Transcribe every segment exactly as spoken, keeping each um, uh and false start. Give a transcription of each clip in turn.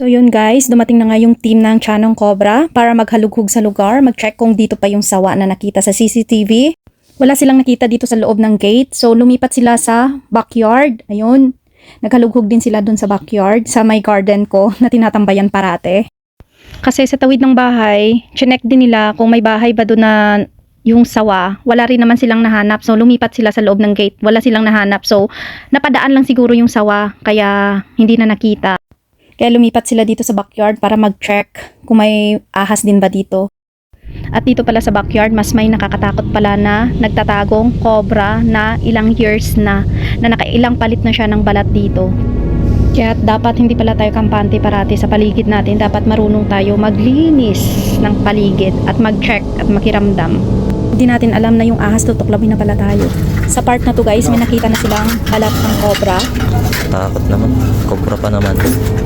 yun guys, dumating na nga yung team ng Chanong Cobra para maghalughog sa lugar, mag-check kung dito pa yung sawa na nakita sa C C T V. Wala silang nakita dito sa loob ng gate, so lumipat sila sa backyard. Ayun, naghalughog din sila dun sa backyard, sa may garden ko na tinatambayan parate. Kasi sa tawid ng bahay, chinek din nila kung may bahay ba dun na yung sawa. Wala rin naman silang nahanap, so lumipat sila sa loob ng gate. Wala silang nahanap, so napadaan lang siguro yung sawa, kaya hindi na nakita. Kaya lumipat sila dito sa backyard para mag-check kung may ahas din ba dito. At dito pala sa backyard, mas may nakakatakot pala na nagtatagong cobra na ilang years na, na nakailang palit na siya ng balat dito. Kaya dapat hindi pala tayo kampante parati sa paligid natin. Dapat marunong tayo maglinis ng paligid at mag-check at makiramdam. Hindi natin alam na yung ahas tutuklawin na pala tayo. Sa part na to guys, may nakita na silang balat ng cobra. Takot naman, cobra pa naman.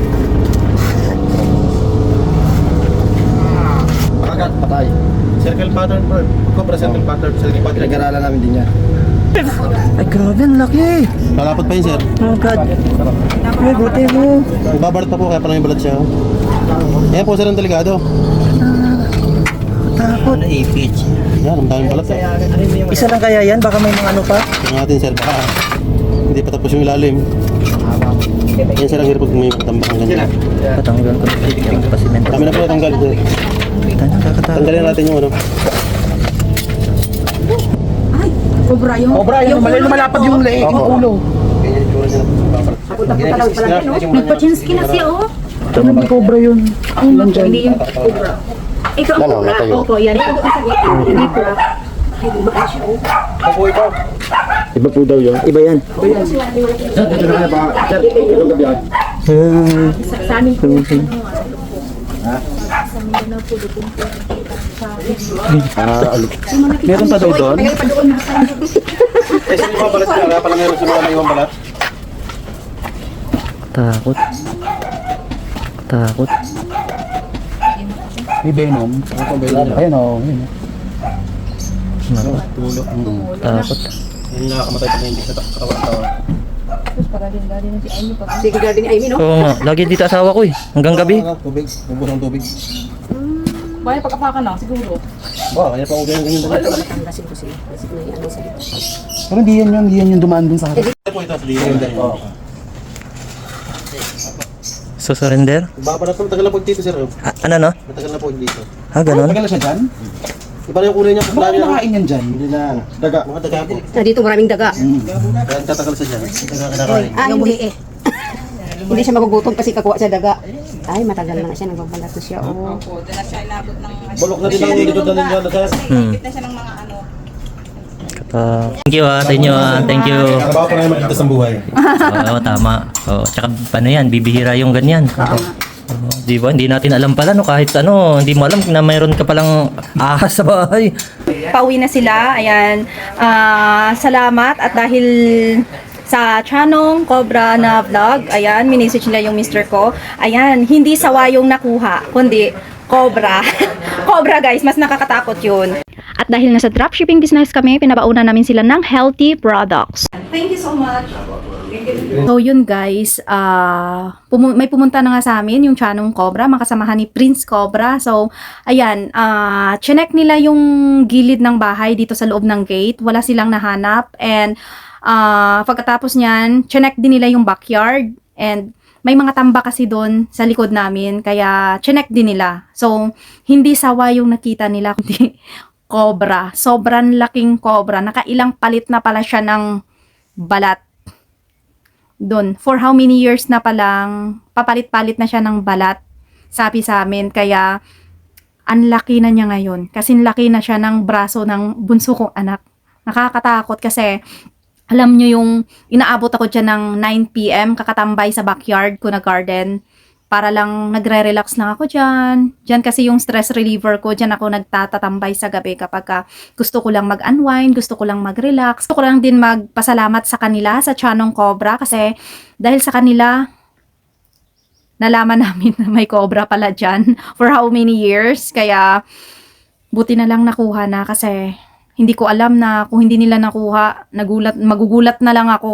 Agad, patay. Circle pattern bro. Cobra circle pattern. Circle pattern. Pinag-aralan namin din yan. Ay grabe, ang laki. Malapot pa yun sir. Oh god. Ay, buti mo. Babarat pa po kaya parang yung balat siya. Ayan po sir ang delikado. Takot. Ipich. Yan, ang daming balat eh. Isa lang kaya yan? Baka may mga ano pa? Tingnan natin sir, baka hindi pa tapos yung ilalim. Yan sir ang hirap pag may tambak ang ganyan. Patanggal ko yung pasimento. Kami na po natanggal sir. Tanggalin natin yung ano. Cobra yung... Cobra, yung mali lumalapad yung leeg, yung ulo. Ganyan yung tsura niya. Napunta-punta lang pala yan, no? Nagpa-chinski na siya, oh. Ito naman cobra yun. Ang hindi yung cobra. Ito ang cobra. Opo, yan. Ito ang sakit. Hindi po. Ay, di ba siya, oh. Ako ikaw. Iba po daw yun. Iba yan. Dito na kaya ba? Sir, ito gabi yan. Sa amin po. Ah, alok. Meron pa daw doon? Mayroon pa doon. Eh, sino yung balat niya? Kaya pala meron sino na yung balat? Takot. Takot. May venom. Ayun o. Naku, Tulo. takot. Yung nakakamatay pa na hindi sa katawan-tawa. Sige, garden ni Amy, no? Oo nga, lagi dito asawa ko eh. Hanggang gabi. Tubig. Ubos ng tubig. Kaya pagkapakan lang, siguro. Wow, kaya pa ako ganyan ganyan. Tanggasin ko sila. Kasi may ano sa ito. Pero hindi yan yun, hindi yan yung dumaan dun sa akin. Ito po ito. Surrender. Oo. So surrender? Babalat po. Matagal na po dito sir. Ah, ano no? Matagal na po dito. Ah, ganun? Tagal na siya dyan? Iba na yung kulay niya. Baka kumakain yan dyan. Hindi na. Daga. Mga daga po. Na dito maraming daga. Kaya tatagal sa dyan. Daga kinakain. Ah, hindi eh. Hindi siya magugutom kasi kakuha siya daga. Ay, matagal na nga siya. Nagbabalat na siya. Oh. Bulok na din ang dito na din dyan sir. Hmm. Kata. Thank you ah, sa inyo ah. Thank you. Trabaho po na yung magkita sa buhay. Oo, tama. Oo, tsaka paano yan, bibihira yung ganyan. Oo, di ba? Hindi natin alam pala no, kahit ano, hindi mo alam na mayroon ka palang ahas sa bahay. Pauwi na sila, ayan. Ah, salamat at dahil sa Chanong Cobra na vlog, ayan, minisage nila yung mister ko. Ayan, hindi sawa yung nakuha, kundi cobra. Cobra guys, mas nakakatakot yun. At dahil nasa dropshipping business kami, pinabauna namin sila ng healthy products. Thank you so much. So yun guys, uh, pumu- may pumunta na nga sa amin yung Chanong Cobra, makasamahan ni Prince Cobra. So ayan, uh, chinek nila yung gilid ng bahay dito sa loob ng gate, wala silang nahanap. And uh, pagkatapos nyan, chinek din nila yung backyard. And may mga tamba kasi doon sa likod namin, kaya chinek din nila. So hindi sawa yung nakita nila, kundi cobra. Sobrang laking cobra. Nakailang palit na pala siya ng balat. Doon. For how many years na palang papalit-palit na siya ng balat. Sabi sa amin. Kaya ang laki na niya ngayon. Kasi laki na siya ng braso ng bunso kong anak. Nakakatakot kasi alam nyo yung inaabot ako dyan ng nine p m kakatambay sa backyard ko na garden. Para lang nagre-relax lang ako dyan. Dyan kasi yung stress reliever ko. Dyan ako nagtatatambay sa gabi kapag ka gusto ko lang mag-unwind, gusto ko lang mag-relax. Gusto ko lang din magpasalamat sa kanila, sa Chanong Cobra. Kasi dahil sa kanila, nalaman namin na may cobra pala dyan for how many years. Kaya buti na lang nakuha na kasi hindi ko alam na kung hindi nila nakuha, nagulat, magugulat na lang ako.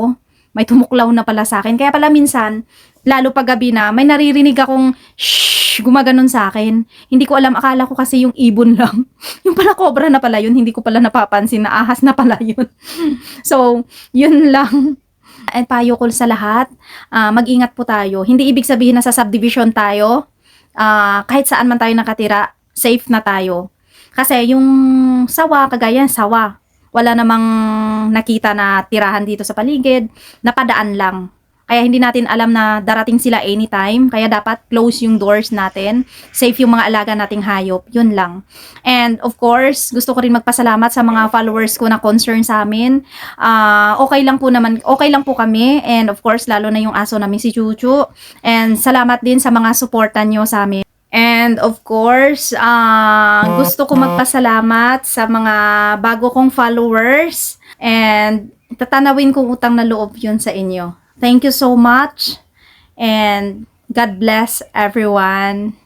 may tumuklaw na pala sa akin. Kaya pala minsan, lalo pag gabi na, may naririnig akong shhh, gumaganon sa akin. Hindi ko alam, akala ko kasi yung ibon lang. Yung pala cobra na pala yun, hindi ko pala napapansin na ahas na pala yun. So, yun lang. And payo ko sa lahat, ah, mag-ingat po tayo. Hindi ibig sabihin na sa subdivision tayo, ah, kahit saan man tayo nakatira, safe na tayo. Kasi yung sawa, kagaya ng sawa, wala namang nakita na tirahan dito sa paligid, napadaan lang. Kaya hindi natin alam na darating sila anytime, kaya dapat close yung doors natin, safe yung mga alaga nating hayop, yun lang. And of course, gusto ko rin magpasalamat sa mga followers ko na concern sa amin. Ah, okay lang po naman, okay lang po kami, and of course, lalo na yung aso namin si Chuchu. And salamat din sa mga suportan nyo sa amin. And of course, uh, gusto ko magpasalamat sa mga bago kong followers and tatanawin kong utang na loob yun sa inyo. Thank you so much and God bless everyone.